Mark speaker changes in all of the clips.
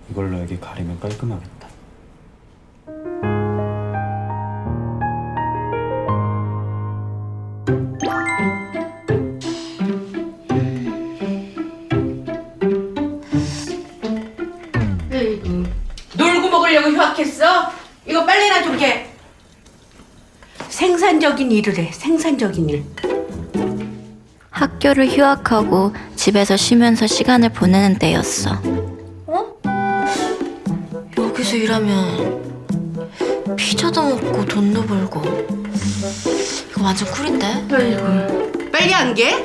Speaker 1: 이걸로 여기 가리면 깔끔하겠다.
Speaker 2: 놀고 먹으려고 휴학했어? 이거 빨리나 좀 해. 생산적인 일을 해. 생산적인 일.
Speaker 3: 학교를 휴학하고 집에서 쉬면서 시간을 보내는 때였어. 여기서 일하면 피자도 먹고 돈도 벌고 이거 완전 꿀인데?
Speaker 2: 아이고, 빨리 안 게?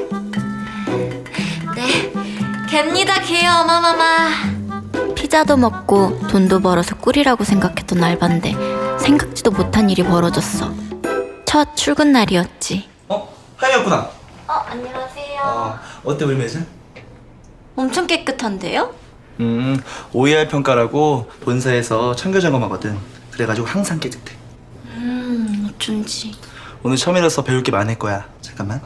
Speaker 3: 네, 갭니다 개요 어마마마. 피자도 먹고 돈도 벌어서 꿀이라고 생각했던 알바인데 생각지도 못한 일이 벌어졌어. 첫 출근 날이었지.
Speaker 4: 하이였구나.
Speaker 3: 안녕하세요.
Speaker 4: 어때 우리 매장?
Speaker 3: 엄청 깨끗한데요?
Speaker 4: OER 평가라고 본사에서 청결 점검하거든. 그래가지고 항상 깨끗해.
Speaker 3: 어쩐지.
Speaker 4: 오늘 처음이라서 배울 게 많을 거야. 잠깐만.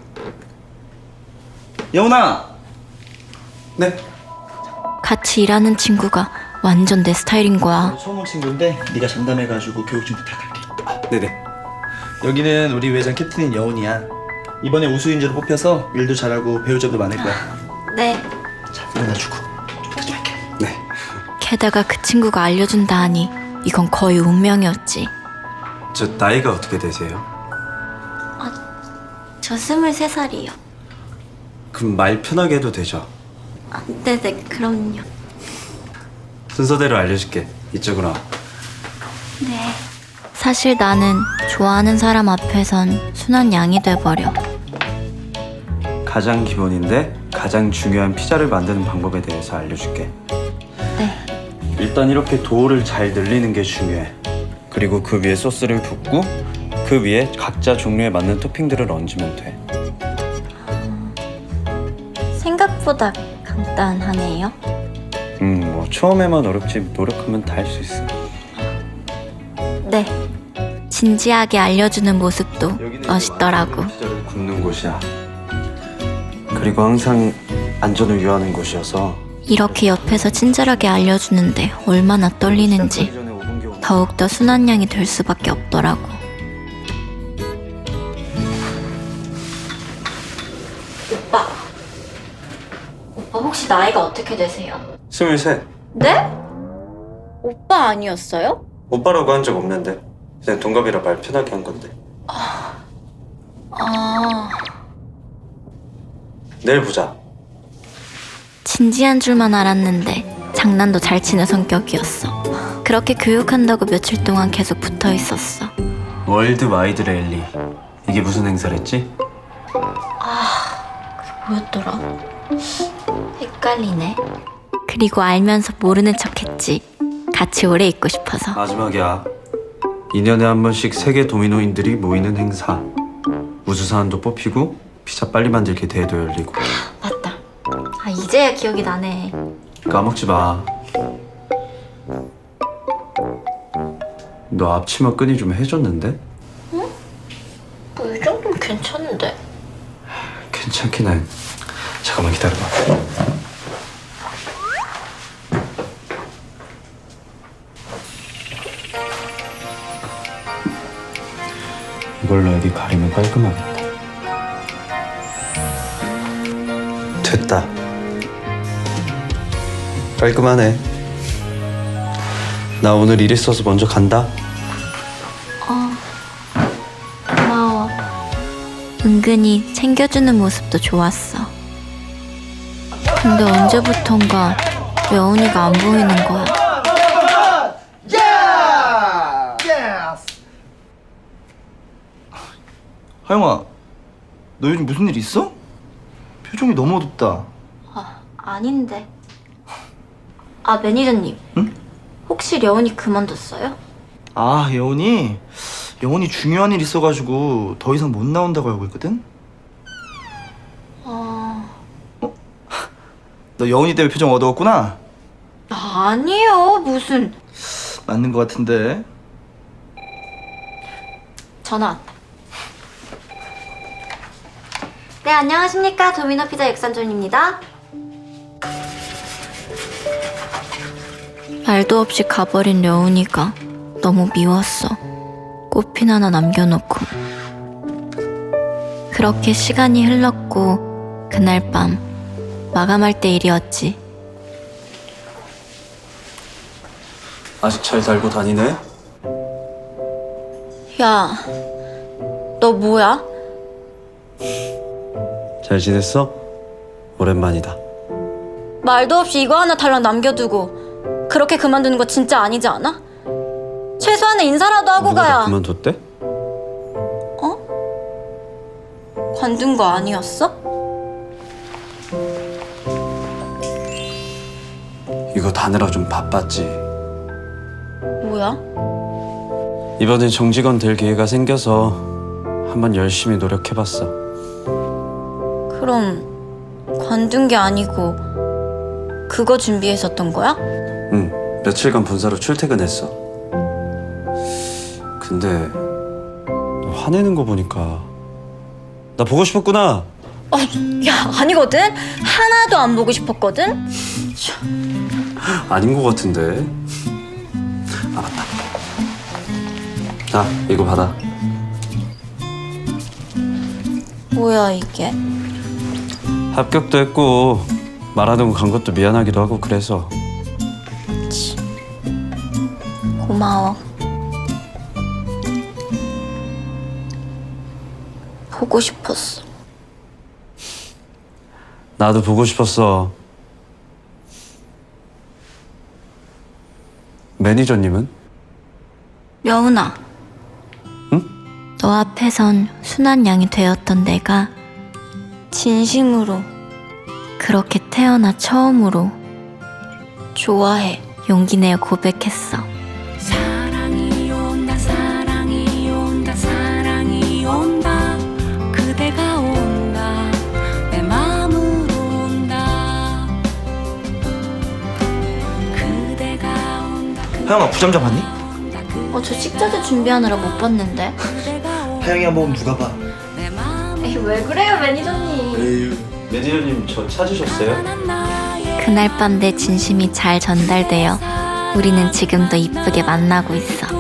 Speaker 4: 여운아. 네.
Speaker 3: 같이 일하는 친구가 완전 내 스타일인 거야.
Speaker 4: 처음 온 친구인데 네가 장담해가지고 교육 좀 부탁할게. 네네. 여기는 우리 회장 캡틴인 여운이야. 이번에 우수인재로 뽑혀서 일도 잘하고 배울 점도 많을 거야.
Speaker 3: 네.
Speaker 4: 자, 일어나주고 좀 부탁 좀 할게. 네.
Speaker 3: 게다가 그 친구가 알려준다 하니 이건 거의 운명이었지.
Speaker 1: 저 나이가 어떻게 되세요?
Speaker 3: 저 23살이요.
Speaker 1: 그럼 말 편하게 해도 되죠?
Speaker 3: 네네, 그럼요.
Speaker 1: 순서대로 알려줄게. 이쪽으로 와.
Speaker 3: 네. 사실 나는 좋아하는 사람 앞에선 순한 양이 돼버려.
Speaker 1: 가장 기본인데 가장 중요한 피자를 만드는 방법에 대해서 알려줄게.
Speaker 3: 네.
Speaker 1: 일단 이렇게 도우를 잘 늘리는 게 중요해. 그리고 그 위에 소스를 붓고 그 위에 각자 종류에 맞는 토핑들을 얹으면 돼.
Speaker 3: 생각보다 간단하네요.
Speaker 1: 뭐 처음에만 어렵지 노력하면 다 할 수 있어.
Speaker 3: 네. 진지하게 알려주는 모습도
Speaker 1: 여기는
Speaker 3: 멋있더라고.
Speaker 1: 피자를 굽는 곳이야. 그리고 항상 안전을 유의하는 곳이어서
Speaker 3: 이렇게 옆에서 친절하게 알려주는데 얼마나 떨리는지
Speaker 1: 시작하기 전에 5분 경험.
Speaker 3: 더욱더 순한 양이 될 수밖에 없더라고. 오빠 혹시 나이가 어떻게 되세요?
Speaker 1: 23.
Speaker 3: 네? 오빠 아니었어요?
Speaker 1: 오빠라고 한 적 없는데 그냥 동갑이라 말 편하게 한 건데. 내일 보자.
Speaker 3: 진지한 줄만 알았는데 장난도 잘 치는 성격이었어. 그렇게 교육한다고 며칠 동안 계속 붙어 있었어.
Speaker 1: 월드 와이드 랠리. 이게 무슨 행사랬지?
Speaker 3: 뭐였더라? 헷갈리네. 그리고 알면서 모르는 척했지. 같이 오래 있고 싶어서.
Speaker 1: 마지막이야. 2년에 한 번씩 세계 도미노인들이 모이는 행사. 우수사안도 뽑히고 피자 빨리 만들기 대회도 열리고.
Speaker 3: 맞다. 이제야 기억이 나네.
Speaker 1: 까먹지 마. 너 앞치마 끈이 좀 해줬는데?
Speaker 3: 뭐 이 정도면 괜찮은데.
Speaker 1: 괜찮긴 해. 잠깐만 기다려봐. 이걸로 여기 가리면 깔끔하겠다.
Speaker 4: 됐다. 깔끔하네. 나 오늘 일 있어서 먼저 간다.
Speaker 3: 고마워. 은근히 챙겨주는 모습도 좋았어. 근데 언제부턴가 여운이가 안 보이는 거야.
Speaker 4: 하영아, 너 요즘 무슨 일 있어? 표정이 너무 어둡다.
Speaker 3: 아닌데. 매니저님.
Speaker 4: 응?
Speaker 3: 혹시 여운이 그만뒀어요?
Speaker 4: 아, 여운이 중요한 일 있어가지고 더 이상 못 나온다고 알고 있거든? 너 여운이 때문에 표정 어두웠구나?
Speaker 3: 아니요, 무슨.
Speaker 4: 맞는 것 같은데.
Speaker 3: 전화 왔다. 네, 안녕하십니까. 도미노 피자 육산존입니다. 말도 없이 가버린 여운이가 너무 미웠어. 꽃핀 하나 남겨놓고. 그렇게 시간이 흘렀고 그날 밤 마감할 때 일이었지.
Speaker 1: 아직 잘 달고 다니네?
Speaker 3: 야, 너 뭐야?
Speaker 1: 잘 지냈어? 오랜만이다.
Speaker 3: 말도 없이 이거 하나 달랑 남겨두고 그렇게 그만두는 거 진짜 아니지 않아? 최소한의 인사라도 하고
Speaker 1: 누가 다
Speaker 3: 가야.
Speaker 1: 그만뒀대?
Speaker 3: 관둔 거 아니었어?
Speaker 1: 이거 다느라 좀 바빴지.
Speaker 3: 뭐야?
Speaker 1: 이번엔 정직원 될 기회가 생겨서 한번 열심히 노력해봤어.
Speaker 3: 그럼 관둔 게 아니고 그거 준비했었던 거야?
Speaker 1: 응, 며칠간 본사로 출퇴근했어. 근데 너 화내는 거 보니까 나 보고 싶었구나.
Speaker 3: 야, 아니거든? 하나도 안 보고 싶었거든?
Speaker 1: 아닌 거 같은데. 아, 맞다. 자, 이거 받아.
Speaker 3: 뭐야 이게?
Speaker 1: 합격도 했고 말하던 거 간 것도 미안하기도 하고 그래서.
Speaker 3: 고마워. 보고 싶었어.
Speaker 1: 나도 보고 싶었어. 매니저님은?
Speaker 3: 여운아.
Speaker 1: 응?
Speaker 3: 너 앞에선 순한 양이 되었던 내가 진심으로 그렇게 태어나 처음으로 좋아해 용기 내어 고백했어.
Speaker 5: 사랑이 온다 사랑이 온다 사랑이 온다 그대가 온다 내 맘으로 온다 그대가 온다
Speaker 4: 하영아 부점자 봤니?
Speaker 3: 저 식자재 준비하느라 못 봤는데.
Speaker 4: 하영이 한 번 누가 봐.
Speaker 3: 에이, 왜 그래요 매니저님.
Speaker 1: 매니저님 저 찾으셨어요?
Speaker 3: 그날 밤 내 진심이 잘 전달되어 우리는 지금도 이쁘게 만나고 있어.